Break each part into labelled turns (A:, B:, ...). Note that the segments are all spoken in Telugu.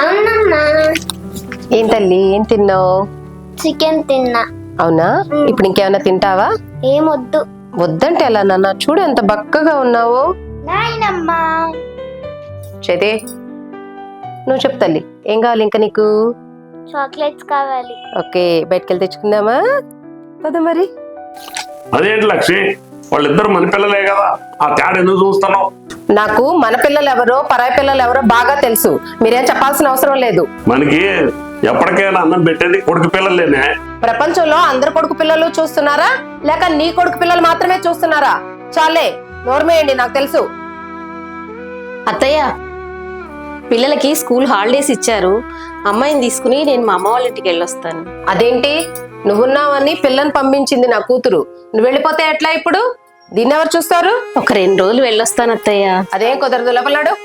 A: అవునమ్మా.
B: ఏం తల్లి ఏం తిన్నావు?
A: చికెన్ తిన్నా.
B: అవునా? ఇప్పుడు ఇంకేమైనా తింటావా?
A: ఏమొద్దు.
B: వద్దంటే ఎలా నాన్న? చూడు ఎంత బక్కగా ఉన్నావు.
A: నాయనమ్మా.
B: చేతే నువ్వు చెప్పు తల్లి, ఏం కావాలి ఇంకా నీకు?
A: చాక్లెట్స్ కావాలి.
B: ఓకే, బయటకెళ్ళి తెచ్చుకుందామా? పద మరి.
C: అదేంటి లక్ష్మి, వాళ్ళిద్దరు మన పిల్లలే కదా, ఆ తేడా ఎందుకు చూస్తున్నావు?
B: నాకు మన పిల్లలు ఎవరో పరాయి పిల్లలు ఎవరో బాగా తెలుసు. మీరేం చెప్పాల్సిన అవసరం లేదు.
C: మనకి ఎప్పటికైనా అన్నం పెట్టేది కొడుకు పిల్లలేనే.
B: ప్రపంచంలో అందరు కొడుకు పిల్లలు చూస్తున్నారా, లేక నీ కొడుకు పిల్లలు మాత్రమే చూస్తున్నారా? చాలే, నోర్మేయండి, నాకు తెలుసు.
D: అత్తయ్య, పిల్లలకి స్కూల్ హాలిడేస్ ఇచ్చారు. అమ్మాయిని తీసుకుని నేను మా అమ్మ వాళ్ళ ఇంటికి వెళ్ళొస్తాను.
B: అదేంటి, నువ్వున్నావని పిల్లని పంపించింది నా కూతురు, నువ్వు వెళ్ళిపోతే ఎట్లా? ఇప్పుడు దీన్ని ఎవరు చూస్తారు?
D: ఒక 2 రోజులు వెళ్ళొస్తాను అత్తయ్య.
B: అదేం కుదరదు, లోపలాడు.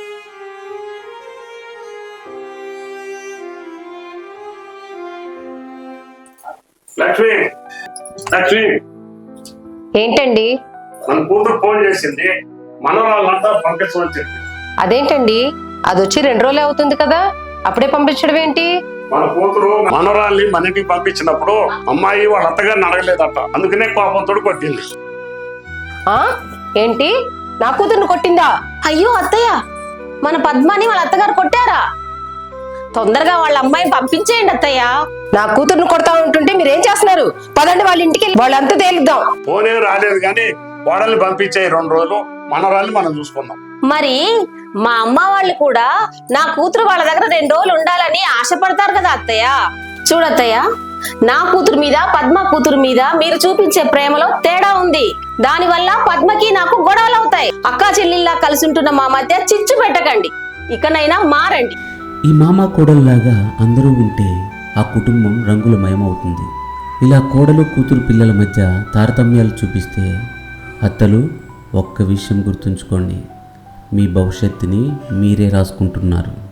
C: లక్ష్మి, లక్ష్మి,
B: ఏంటండి?
C: మన కూతురు ఫోన్ చేసింది, మనవరాళ్ళంతా పంపించమని చెప్పి.
B: అదేంటండి, అది వచ్చి 2 రోజులే అవుతుంది కదా, అప్పుడే పంపించడం ఏంటి?
C: మన కూతురు మనవరాల్ని మన ఇంటికి పంపించినప్పుడు అమ్మాయి వాళ్ళ అత్తగారిని అడగలేదట, అందుకనే కోపంతో కొట్టింది.
B: ఆ ఏంటి, నా కూతురుని కొట్టిందా?
D: అయ్యో అత్తయ్య, మన పద్మాని వాళ్ళ అత్తగారు కొట్టారా? తొందరగా వాళ్ళ అమ్మాయిని పంపించేయండి అత్తయ్య.
B: నా కూతురుని కొడతా ఉంటుంటే మీరేం చేస్తున్నారు? పదండి వాళ్ళ ఇంటికి, వాళ్ళంతా తేలుద్దాం.
C: ఫోనే రాలేదు కానీ కోడల్ని పంపించే 2 రోజులు మనవరాల్ని మనం చూసుకుందాం.
D: మరి మా అమ్మ వాళ్ళు కూడా నా కూతురు వాళ్ళ దగ్గర 2 రోజులు ఉండాలని ఆశపడతారు కదా అత్తయ్య. చూడత్తయ్య, నా కూతురు మీద పద్మ కూతురు మీద మీరు చూపించే ప్రేమలో తేడా ఉంది. దానివల్ల పద్మకి నాకు గొడవలు అవుతాయి. అక్కా చెల్లిల్లా కలిసి ఉంటున్న మా మధ్య చిచ్చు పెట్టకండి, ఇకనైనా మారండి.
E: ఈ మామ కోడల్లాగా అందరూ ఉంటే ఆ కుటుంబం రంగులమయమవుతుంది. ఇలా కోడలు కూతురు పిల్లల మధ్య తారతమ్యాలు చూపిస్తే అత్తలు ఒక్క విషయం గుర్తుంచుకోండి, మీ భవిష్యత్తుని మీరే రాసుకుంటున్నారు.